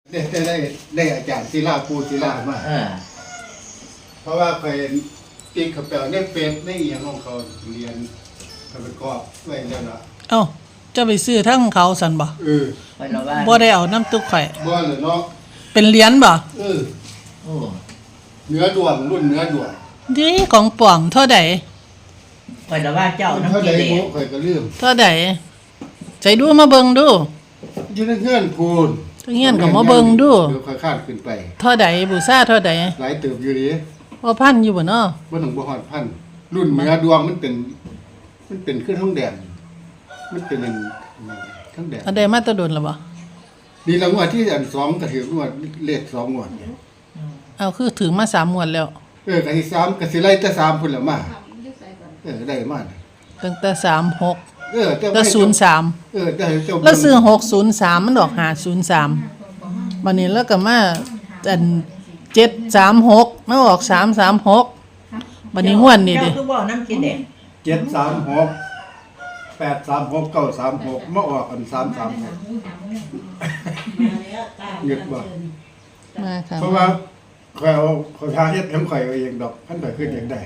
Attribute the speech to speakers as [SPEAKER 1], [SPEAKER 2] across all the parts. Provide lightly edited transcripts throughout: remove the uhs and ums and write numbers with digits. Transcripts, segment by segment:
[SPEAKER 1] ได้อาจารย์ศิลาปูศิลามาเพราะว่าเคยตีขับแปลในเฟซในอย่างของเขาเรียนเขาไปกอบไว้แล้วล่ะ
[SPEAKER 2] เอ้าจะไปซื้อทั้งเขาสันบ่บ่ได้เอาน้ำตุ๊กไข่
[SPEAKER 1] บ่เลยเนาะ
[SPEAKER 2] เป็นเหรียญบ่
[SPEAKER 1] เนื้อด่วนรุ่นเนื้อด่วน
[SPEAKER 2] ดีของป่องเท่าใด
[SPEAKER 3] ข่อยละว่าเจ้าน้ำกิเลส
[SPEAKER 1] ข่อยก็ลืม
[SPEAKER 2] เท่าใดใจดูมาเบิ่งดู
[SPEAKER 1] อยู่ในเฮือนพูน
[SPEAKER 2] เงี้ยก็มาเบิ่งดู
[SPEAKER 1] เดี๋ยวค่อยคาดขึ้นไป
[SPEAKER 2] เท่าใดบูชาเท่าใด
[SPEAKER 1] หลายเติบอยู่ดิ
[SPEAKER 2] บ่พันอยู่บ่เนาะ
[SPEAKER 1] บ่ถึงบ่ฮอดพันรุ่นเนื้อดวงมันเป็นคือทองแดงมันเป็นทองแดง
[SPEAKER 2] อันใดมาตะดนล่ะบ่
[SPEAKER 1] นี่ละงวดที่อัน2ก็ถืองวดเลข2งวด
[SPEAKER 2] เอาคือถึงมา3งวดแล้ว
[SPEAKER 1] ก็สิ3ก็สิไล่แต่3พุ่นละมาได้มา
[SPEAKER 2] ตั้งแต่36แต่03
[SPEAKER 1] ได้เจ้า
[SPEAKER 2] แล้วซื้อ603มันดอก503บัดนี้แล้วก็มาอัน736มันออก336บัดนี้งวดนี่ดิ
[SPEAKER 3] เจ้าคือบ่น้ำกิเลส
[SPEAKER 1] 736 836 936มาออกอัน336เงียบบ่
[SPEAKER 2] มาค่ะ
[SPEAKER 1] เพราะว่าเขาทาเฮ็ดของข่อยเองดอกท่านข่อยขึ้นเองได้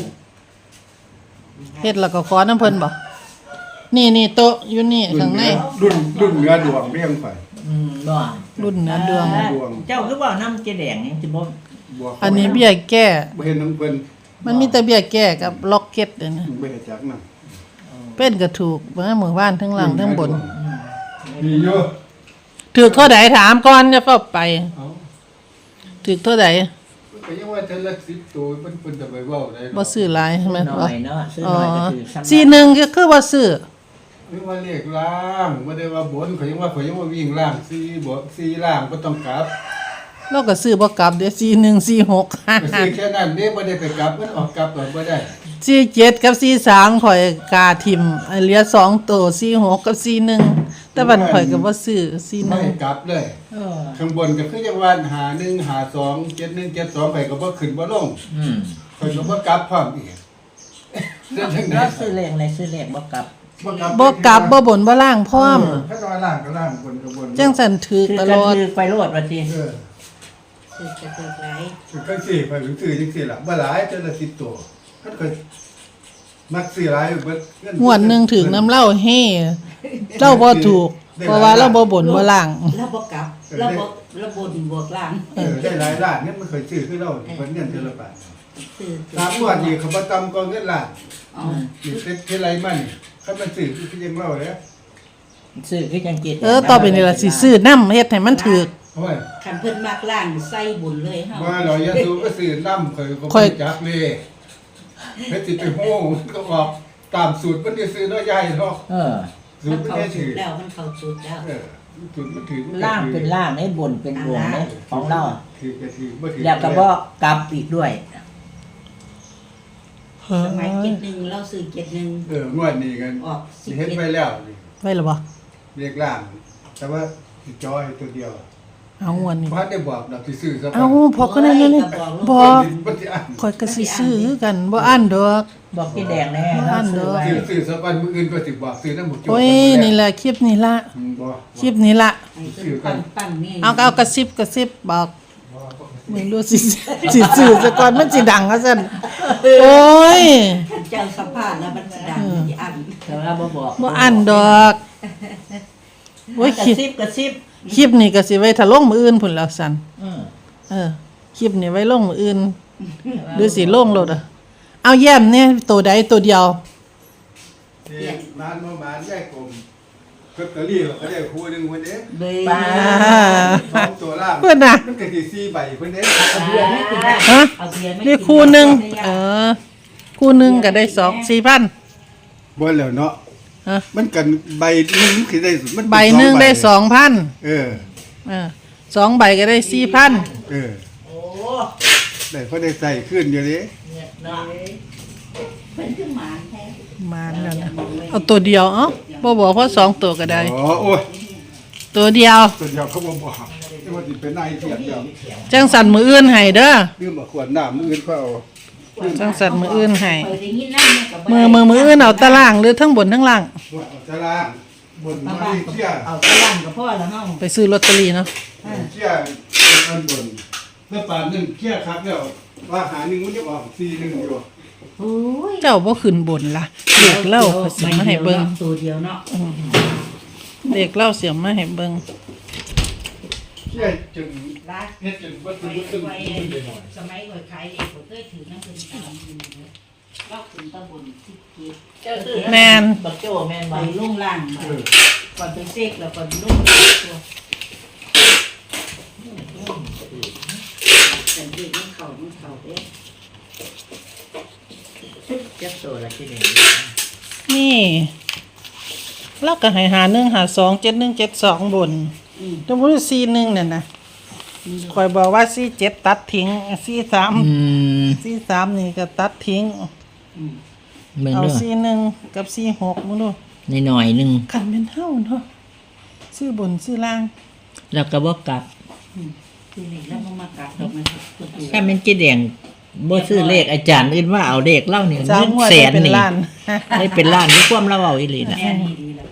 [SPEAKER 2] เฮ็ดแล้วก็ขอน้ำเพิ่นบ่นี่โต๊ะอยู่นี่ข้างใน
[SPEAKER 1] รุ่นเนื้อดวงเรียงข่อย
[SPEAKER 3] บ่
[SPEAKER 2] รุ่นเนื้อดวง
[SPEAKER 3] เจ้าคือบ่น้ำกิเลสนี่สิบ่
[SPEAKER 2] อันนี้เบี้ยแก้
[SPEAKER 1] บ่เห็นน้ำเพิ่น
[SPEAKER 2] มันมีแต่เบี้ยแก้กับล็อกเก็ตนี่นะ
[SPEAKER 1] บ่เฮ็ดจักนำ
[SPEAKER 2] เป็นก็ถูกเบิ่งหมู่บ้านทั้งหลังทั้งบน
[SPEAKER 1] มีอยู่
[SPEAKER 2] ถูกเท่าใดถามก่อนจะเฝ้าไปถูกเท่าใด
[SPEAKER 1] ก็ยังว่าแต่ละ10ตัวเพิ่นจะไปเว้าได้
[SPEAKER 2] บ่ซื้อหลายใช่มั้ย
[SPEAKER 3] น้อยเนาะซื้อน้อยก็คือ
[SPEAKER 2] 41ก็คือว่าซื้อ
[SPEAKER 1] หรือว่าเลขล่างบ่ได้ว่าบนเขายังว่าวิ่งล่าง4บ่4ล่างบ่ต้องกลับ
[SPEAKER 2] เราก็ซื้อบ่กลับเด้4146
[SPEAKER 1] ซื้อแค่นั้นเด้บ่ได้ไปกลับมันออกกลับบ่ได้
[SPEAKER 2] 47กับ43ข่อยกาทิ่มเหลือ2ตัว46กับ41แต่บัดข่อยก็บ่ซื้อ41
[SPEAKER 1] ไม่กลับเลยข้างบนก็คือจังว่า51 52 71 72ไปก็บ่ขึ้นบ่ลงข่อยก็บ่กลับพร้อมอีก
[SPEAKER 3] แล้วซื้อเลขอะไรซื้อเลขบ่กลับ
[SPEAKER 2] บ่กลับบ่บนบ่ล่างพร้อม
[SPEAKER 1] ถ้าว่าล่างก็ล่างบนก็บน
[SPEAKER 2] จังซั่นถูกตลอด
[SPEAKER 3] คือไปโลดว่าติ
[SPEAKER 4] ซื้อจะถูกหลาย
[SPEAKER 1] ก็สิไปซื้อจังซี่ล่ะบ่หลายจังละ10ตัวมันก็มักซื้อหลายเบิด
[SPEAKER 2] งวดนึงถึงน้ำเหล้าเฮเจ้าบ่ถูกเพราะว่าเราบ่บนบ่ล่าง
[SPEAKER 4] เราบ่กลับเราบ่บนบวกล่าง
[SPEAKER 1] ได้หลายล้านเนี่ยมันเคยซื้อคือเราเพิ่นเงินเท่าละบาทตามงวดนี้เขาบ่ต่ำกว่าเงินล้านนี่เท่าไรมันคันมันซื้อคือยังเล่าเลย
[SPEAKER 3] ซื้อคือจังกิน
[SPEAKER 2] ต่อไปนี่ล่ะสิซื้อนำเฮ็ดให้มันถูก
[SPEAKER 4] คันเพิ่นมักล่างใส่บุญเลยเฮา
[SPEAKER 1] ว่าเราอย่าซื้อก็ซื้อนำค่อยจักเลยเฮ็ดสิไปโหก็ออกตามสูตรมันได้ซื้อน้อยใหญ่เนาะ
[SPEAKER 4] สูตรมันถือแล้วมันเข้าสูตรแล้ว
[SPEAKER 1] สูตรมันถือ
[SPEAKER 3] ล่างเป็นล่างให้บนเป็นบนให้ของเรา
[SPEAKER 1] ถือก็ถือบ่ถือ
[SPEAKER 3] แล้วก็บ่กลับอีกด้วย
[SPEAKER 4] สมัย71เราซื้อ71
[SPEAKER 1] งวดนี้กัน
[SPEAKER 4] ออก
[SPEAKER 1] เฮ็ดไปแล้ว
[SPEAKER 2] ไว้ล่ะบ่
[SPEAKER 1] เลขล่างแต่ว่าสิจอยตัวเดียว
[SPEAKER 2] เอางวดนี้
[SPEAKER 1] บ่ได้บอกดอกสิซื้อซะ
[SPEAKER 2] เอาพอก็นั่นนี่บ่ข่อยก็สิซื้อกันบ่อั้นดอก
[SPEAKER 3] บอกพี่แดงแน่
[SPEAKER 1] ซื้อซะก่อนมื้ออื่นก็สิบอกซื้อนำบ่จบ
[SPEAKER 2] โอ้ยนี่แหละคลิปนี้ล่ะคลิปนี้ล่ะเอากระซิบบอกมึงดูสิซื้อซะก่อนมันสิดังว่าซั่นโอ้ย
[SPEAKER 4] เจ้าสัมภาษณ์แล้วมันสิดังสิอั้น
[SPEAKER 3] แต่ว่าบ่บอก
[SPEAKER 2] บ่อั้นดอกโอ้ย
[SPEAKER 3] กระซิบ
[SPEAKER 2] คลิปนี้ก็สิไว้ถ้าลงมื้ออื่นพุ่นแล้วซั่นคลิปนี้ไว้ลงมื้ออื่นหรือสิลงโลดเอาแย้มเนี่ยตัวใดตัวเดียว
[SPEAKER 1] ร้านบ่บ้านแยกกลมลอตเตอรี่ก็ได้คู่นึงเพิ่นเด้
[SPEAKER 3] ป้า
[SPEAKER 1] 2ตัวล่าง
[SPEAKER 2] เพิ่นน่ะ
[SPEAKER 1] มันก็สิ4ใบเพิ่นเด้
[SPEAKER 3] เอาเบียร์ไม่กินได้เอาเบียร์ไม่
[SPEAKER 2] นี่คู่นึงคู่นึงก็ได้4,000
[SPEAKER 1] บ่แล้วเนาะมันกันใบนึงสิได้มัน
[SPEAKER 2] ใบนึงได้ 2,000 2ใบก็ได้ 4,000
[SPEAKER 3] โอ้
[SPEAKER 1] ได้พอได้ใส่ขึ้นอยู่ดิ
[SPEAKER 4] เพิ่นคือหมานแท้
[SPEAKER 2] หมานแล้วนะเอาตัวเดียวบ่บอกเพราะ2ตัวก็ได้
[SPEAKER 1] โอ้ย
[SPEAKER 2] ตัวเดียว
[SPEAKER 1] เขาบ่บอกว่าสิเป็นนายเสียเดียว
[SPEAKER 2] จังสั่นมื้ออื่นให้เด้อ
[SPEAKER 1] ลืมบ่ขวดน้ำมื้ออื่นเขาเอา
[SPEAKER 2] จังสั่นมื้ออื่นให้มื้ออื่นเอาตารางหรือทั้งบนทั้งล่าง
[SPEAKER 1] ตารางบนมาเลเซีย
[SPEAKER 4] เอาตารางก็พอแล้วเฮา
[SPEAKER 2] ไปซื้อลอตเตอรี่เนาะ
[SPEAKER 1] เชี่ยอันบนแล้วป่านนึงเชี่ยครับแล้วว่าหาหนึ่งมันจะออก4-1อยู่
[SPEAKER 4] โอ้ย
[SPEAKER 2] เจ้าบ่ขึ้นบนล่ะเด็กเล่าก็สิมาให้เบิ่ง
[SPEAKER 4] ตัวเดียวเนาะ
[SPEAKER 2] เด็กเล่าเสียมาให้เบิ่ง
[SPEAKER 1] เชี่ยจน
[SPEAKER 4] ร้าน
[SPEAKER 1] เฮ็ดจนบ่
[SPEAKER 4] ไป
[SPEAKER 1] ตึง
[SPEAKER 4] ไป
[SPEAKER 1] ตึงหน่อย
[SPEAKER 4] สมัยก่อนขายเด็กผมเคยถือน้ำเป็นตามอยู่เลยรอบถึงตะบนที่เกีย
[SPEAKER 3] เจ้าซื้อ
[SPEAKER 2] แมน
[SPEAKER 3] บักโจ้แม่น
[SPEAKER 4] ไป
[SPEAKER 3] บ่
[SPEAKER 4] ลุ่งล่างก่อนไปเซ็กแล้วก่อนลุ่งตัวแต่เด็กมันเข่าเอ๊ะ
[SPEAKER 3] เจ้าโตละที่นี่
[SPEAKER 2] นี่เราก็ให้หา1หา2 7 1 7 2บนแต่บ่ได้4 1นั่นน่ะข่อยบอกว่า4 7ตัดทิ้ง4 3 4 3นี่ก็ตัดทิ้ง
[SPEAKER 3] เบิ่ง
[SPEAKER 2] เอา
[SPEAKER 3] เด้อ
[SPEAKER 2] 4 1กับ4 6มึงดู
[SPEAKER 3] หน่อยๆนึง
[SPEAKER 2] คันเป็นเฮาเนาะซื้อบนซื้อล่าง
[SPEAKER 3] แล้วก็บ่กลับ
[SPEAKER 4] คือเด็กแล้วมันมากลับดอกมันตัว
[SPEAKER 3] ถ้ามันเจ๊แดงบ่ซื้อเลขอาจารย์อื่นว่าเอาเลขเล่านี่
[SPEAKER 2] สาม
[SPEAKER 3] เงิน
[SPEAKER 2] งวด
[SPEAKER 3] แส
[SPEAKER 2] ได้
[SPEAKER 3] น
[SPEAKER 2] เป็น
[SPEAKER 3] นี่
[SPEAKER 2] ล้าน
[SPEAKER 3] ได้เป็นล้านที่ความเราเอาอีหลีน่ะ
[SPEAKER 4] แม่นี่ดีแล้ว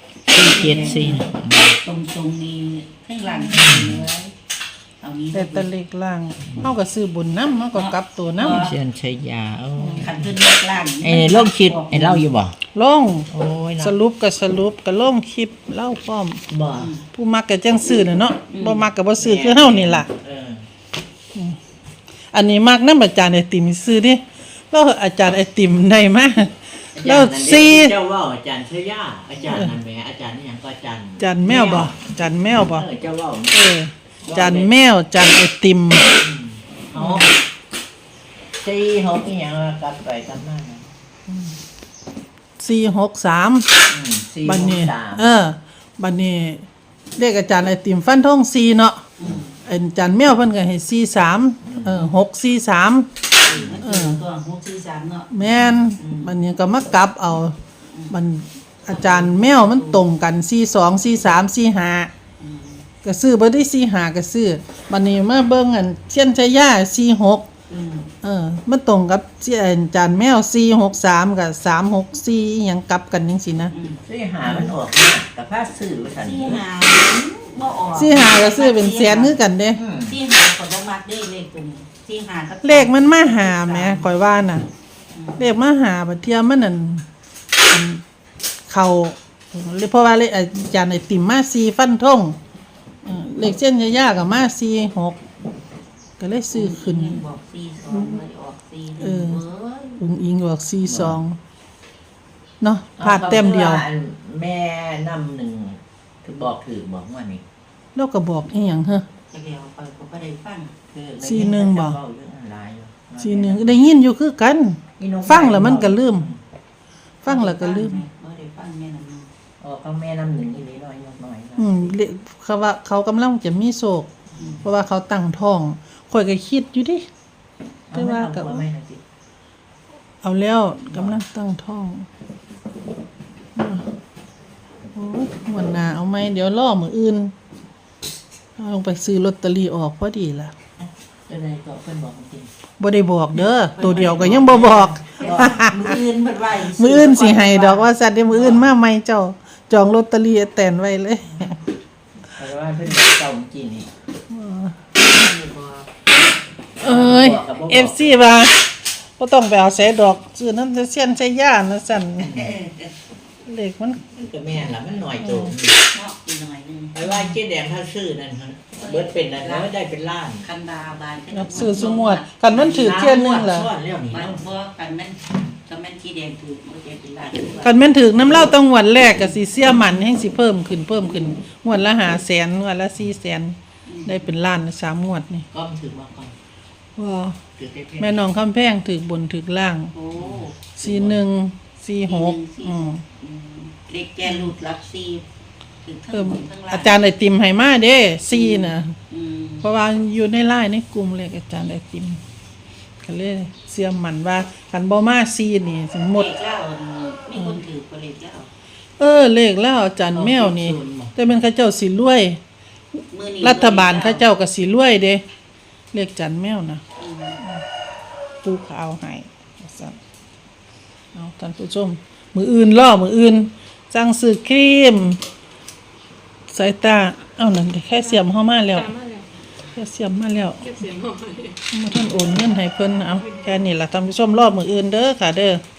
[SPEAKER 3] 474
[SPEAKER 4] ตรงนี้ข้างหลังเนื้อเอานี้
[SPEAKER 2] แต่ตะเล็กล่างเฮาก็ซื้อบนนำเฮาก็กลับตัวนำ
[SPEAKER 3] เชียนชัยยาโอ้
[SPEAKER 4] ขันขึ้นเลือกล่าง
[SPEAKER 3] ไอ้ลงคิดไอ้เล่าอยู่บ่
[SPEAKER 2] ลง
[SPEAKER 3] โอ้ยนะ
[SPEAKER 2] สรุปก็ลงคลิปเล่าพร้อม
[SPEAKER 3] บ่
[SPEAKER 2] ผู้มักก็จังซื้อน่ะเนาะบ่มักก็บ่ซื้อคือเฮานี่ล่ะ
[SPEAKER 3] เออ
[SPEAKER 2] อันนี้มักนำอาจารย์ไอติมซื้อดิเราอาจารย์ไอติมได้มาแล้ว
[SPEAKER 3] เจ้าว่าอาจารย์ชัยยาอาจารย์นั่นแหมอาจารย์นี่หยังก็อาจารย์
[SPEAKER 2] จานแมวบ่จานแมวบ่
[SPEAKER 3] เจ้าว่า
[SPEAKER 2] จานแมวจานไอติม
[SPEAKER 3] เอาสี่หกนี่หยังกลับไปกลับมานะ
[SPEAKER 2] 463
[SPEAKER 3] สี่
[SPEAKER 2] บัด
[SPEAKER 3] หก
[SPEAKER 2] นี้
[SPEAKER 3] สาม
[SPEAKER 2] บัดนี้เลขอาจารย์ไอติมฟันธง4เนาะอาจารย์แมวเพิ่นก็ให้43643
[SPEAKER 4] ตัว643เนาะ
[SPEAKER 2] แม่นบัดนี้ก็มากลับเอามันอาจารย์แมวมันตรงกัน42 43 45ก็ซื้อบ่ได้45ก็ซื้อบัดนี้มาเบิ่งอันเชียนชายา46มันตรงกับอาจารย์แมว463กับ364อีหยังกลับกันจังซี่นะ
[SPEAKER 3] สี่หามันออกมากับผ้าซื้อว่าซั่น
[SPEAKER 4] ที่หาบ่ออก
[SPEAKER 2] 45ก็ซื้อเป็นแสนคือกันเด้
[SPEAKER 4] ที่หาก็บ่มักได้เลขตัวนี้ที่หากับ
[SPEAKER 2] เลขมันมาหาแหมข่อยว่าน่ะเลขมาหาบัดเทียมันนั่นอันเข้าเพราะว่าเลขอาจารย์ไอติมมา4ฟันธงเลขเส้นยาๆก็มา46ก็เลยซื้อขึ้น
[SPEAKER 4] บอก42เลยออก4
[SPEAKER 2] เออ อุ้งอิงบอก42เนาะพลาดแต้มเดียว
[SPEAKER 3] แม่นำหนึ่งคือบอกถือบอกว่านี่
[SPEAKER 2] แล้วก็บอกอีหยังฮะ
[SPEAKER 4] จะเดียวไปก็บ่ได้ฟัง
[SPEAKER 3] คือ
[SPEAKER 2] สี่หนึ่งบ่
[SPEAKER 3] เว้าเรื่องอะไรอยู่
[SPEAKER 2] ทีหนึงได้ยินอยู่คือกัน ฟังแล้วมันก็ลืม ฟังแล้วก็ลืม
[SPEAKER 4] บ่ได้ฟังแม่นำ
[SPEAKER 3] ออกก็แม่นำหนึ่งอีนี้น้อยน้อยนะ
[SPEAKER 2] เขาว่าเขากำลังจะมีโศก เพราะว่าเขาตั้งท้องข่อยก็คิดอยู่ดิ แต่ว่าก็
[SPEAKER 3] เอไม่เอาสิ
[SPEAKER 2] เอาแล้วกำลังตั้งท้องโอ้ยวันหน้าเอาไหมเดี๋ยวรอมื้ออื่นเอาลงไปซื้อลอตเตอรี่ออกพอดีล่ะ
[SPEAKER 3] จะได้ก็เพิ่นบอกจริง
[SPEAKER 2] บ่ได้บอกเด้อตัวเดียวก็ยังบ่บอก
[SPEAKER 4] มืออื่นเพิ่นไว้
[SPEAKER 2] มื้ออื่นสิให้ดอกว่าสัตว์เดี๋ยวมื้ออื่นมาใหม่เจ้าจองลอตเตอรี่แตนไว้เลย
[SPEAKER 3] เพราะว่าเพิ่นบอกเจ้าจริงนี่
[SPEAKER 2] เอ้ย FC ว่าบ่ต้องไปเอาใส่ดอกซื้อนำเสียนใส่ย่านะสั่นเลขมัน
[SPEAKER 3] ก็แม่นล่ะมันหน่อยโต
[SPEAKER 4] เนาะอีกหน่อยนึง
[SPEAKER 3] ไปว่าเจ๊แดงถ้าซื้อนั่นหั่นเบิดเป็นนั่นแล้วได้เป็นล้าน
[SPEAKER 4] คันดาบาย
[SPEAKER 2] นับซื้อซุงวดคันมันถือเที่ยนึงล่ะ
[SPEAKER 3] ซ้อนแล้วนี่
[SPEAKER 4] มัน
[SPEAKER 3] เนาะ
[SPEAKER 4] บ่กันมันก็มันที่แดงถูกมันจะเป็นลาย
[SPEAKER 2] คันแม่นถือน้ำเหล้าต้องงวดแรกก็สิเสียมันแฮงสิเพิ่มขึ้นงวดละ500,000งวดละ400,000ได้เป็นล้าน3งวดนี่
[SPEAKER 3] ก็มันถึงมาก่อน
[SPEAKER 2] ว้า
[SPEAKER 3] ถือเป๊ะๆ
[SPEAKER 2] แม่น้องคำแพงถือบนถือล่าง
[SPEAKER 4] โอ้
[SPEAKER 2] 41 46
[SPEAKER 4] เด็กแกหลุดรับซีถึงทั้ง
[SPEAKER 2] เพิ่ม
[SPEAKER 4] บนทั้งล่าง
[SPEAKER 2] อาจารย์ไอติมให้มาเด้4น่ะ
[SPEAKER 4] อืม
[SPEAKER 2] เพราะว่าอยู่ในไลน์ในกลุ่มเลขอาจารย์ไอติมก็เลยเชื่อมั่นว่าคันบ่มา4นี่สิหมด
[SPEAKER 4] เลขเล่ามีคนถือก็เลขเล่า
[SPEAKER 2] เลขแล้วอาจารย์แมวนี่ แต่เป็นเขาเจ้าสิรวย
[SPEAKER 4] มื้อนี้
[SPEAKER 2] รัฐบาลเขาเจ้าก็สิรวยเด้เลขจันแมวนะปูขาวให้ว่าซั่นเอาท่านผู้ชมมื้ออื่นสั่งซื้อครีมสายตาเอานั่นดิแค่เสียมเข้ามาแล้ว
[SPEAKER 5] ตามมาแล้ว
[SPEAKER 2] แค่เสียมมาแล้ว
[SPEAKER 5] เก็บเสียงหน่อย
[SPEAKER 2] มาท่านโอนเงินให้เพิ่นเอาแค่นี้ล่ะท่านผู้ชมรอบมื้ออื่นเด้อค่ะเด้อ